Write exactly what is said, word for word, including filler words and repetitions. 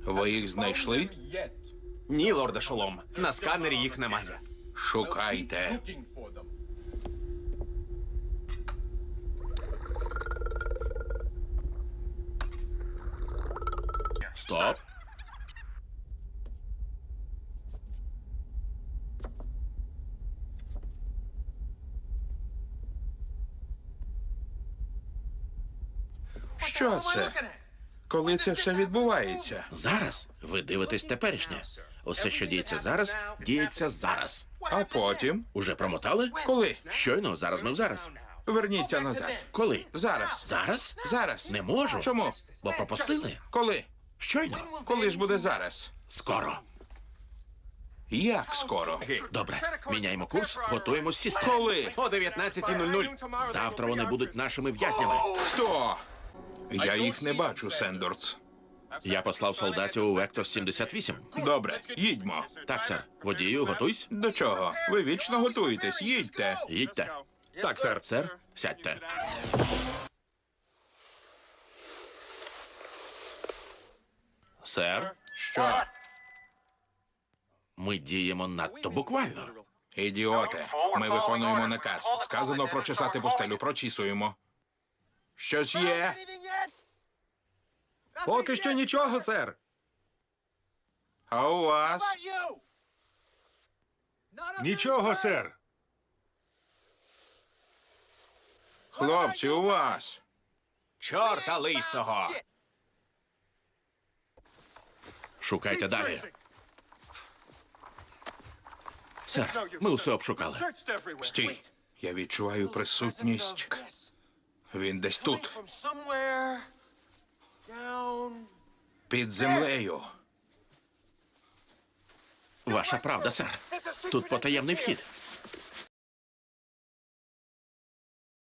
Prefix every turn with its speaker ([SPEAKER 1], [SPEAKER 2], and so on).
[SPEAKER 1] Ви їх знайшли?
[SPEAKER 2] Ні, лорде Шолом, на сканері їх немає.
[SPEAKER 1] Шукайте.
[SPEAKER 3] Стоп.
[SPEAKER 1] Що це? Коли це все відбувається?
[SPEAKER 3] Зараз ви дивитесь теперішнє. Усе, що діється зараз, діється зараз.
[SPEAKER 1] А потім?
[SPEAKER 3] Уже промотали?
[SPEAKER 1] Коли?
[SPEAKER 3] Щойно, зараз ми в зараз.
[SPEAKER 1] Верніться назад.
[SPEAKER 3] Коли?
[SPEAKER 1] Зараз.
[SPEAKER 3] Зараз?
[SPEAKER 1] Зараз.
[SPEAKER 3] Не можу.
[SPEAKER 1] Чому?
[SPEAKER 3] Бо пропустили.
[SPEAKER 1] Коли?
[SPEAKER 3] Щойно.
[SPEAKER 1] Коли ж буде зараз?
[SPEAKER 3] Скоро.
[SPEAKER 1] Як скоро?
[SPEAKER 3] Добре, міняємо курс, готуємось сісти.
[SPEAKER 1] Коли?
[SPEAKER 2] О дев'ятнадцятій нуль нуль.
[SPEAKER 3] Завтра вони будуть нашими в'язнями.
[SPEAKER 1] Хто? Я їх не бачу, Сендорс.
[SPEAKER 3] Я послав солдатів у Вектор сімдесят вісім.
[SPEAKER 1] Добре, їдьмо.
[SPEAKER 3] Так, сер. Водію, готуйсь.
[SPEAKER 1] До чого? Ви вічно готуєтесь, їдьте.
[SPEAKER 3] Їдьте.
[SPEAKER 2] Так, сер.
[SPEAKER 3] Сер, сядьте. Сер,
[SPEAKER 1] Що?
[SPEAKER 3] ми діємо надто буквально.
[SPEAKER 1] Ідіоте, ми виконуємо наказ. Сказано прочесати пустелю, прочісуємо. Щось є?
[SPEAKER 2] Поки що нічого, сер.
[SPEAKER 1] А у вас?
[SPEAKER 4] Нічого, сер.
[SPEAKER 1] Хлопці, у вас?
[SPEAKER 2] Чорта лисого.
[SPEAKER 3] Шукайте далі. Сер, ми усе обшукали.
[SPEAKER 1] Стій. Я відчуваю присутність. Він десь тут, під землею.
[SPEAKER 3] Ваша правда, сер. Тут потаємний вхід.